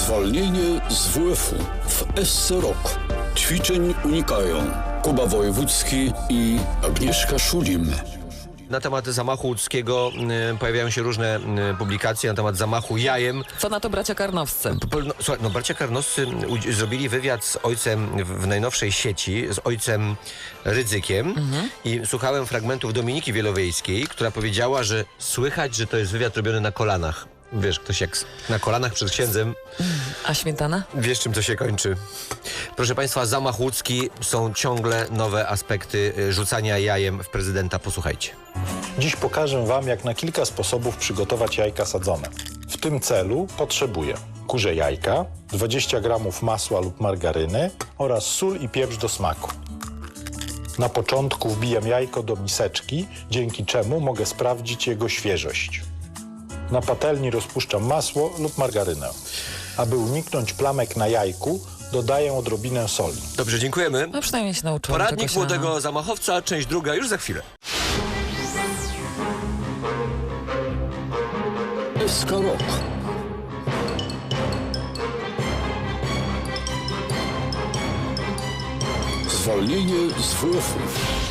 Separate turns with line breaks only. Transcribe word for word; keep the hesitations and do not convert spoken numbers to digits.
Zwolnienie z W F-u w S C Rok. Ćwiczeń unikają Kuba Wojewódzki i Agnieszka Szulim.
Na temat zamachu łódzkiego y, pojawiają się różne y, publikacje na temat zamachu jajem.
Co na to bracia Karnowscy?
Po- No, słuchaj, no bracia Karnowscy udzi- zrobili wywiad z ojcem w, w najnowszej sieci, z ojcem Rydzykiem i słuchałem fragmentów Dominiki Wielowiejskiej, która powiedziała, że słychać, że to jest wywiad robiony na kolanach. Wiesz, ktoś jak s- na kolanach przed księdzem,
A śmietana?
wiesz czym to się kończy. Proszę Państwa, zamach łódzki, są ciągle nowe aspekty y, rzucania jajem w prezydenta. Posłuchajcie.
Dziś pokażę Wam, jak na kilka sposobów przygotować jajka sadzone. W tym celu potrzebuję kurze jajka, dwadzieścia gramów masła lub margaryny oraz sól i pieprz do smaku. Na początku wbijam jajko do miseczki, dzięki czemu mogę sprawdzić jego świeżość. Na patelni rozpuszczam masło lub margarynę. Aby uniknąć plamek na jajku, dodaję odrobinę soli.
Dobrze, dziękujemy.
No przynajmniej się nauczyłam
Poradnik
czegoś
młodego zamachowca, część druga, już za chwilę.
S K Rok. Zwolnienie z W F-u.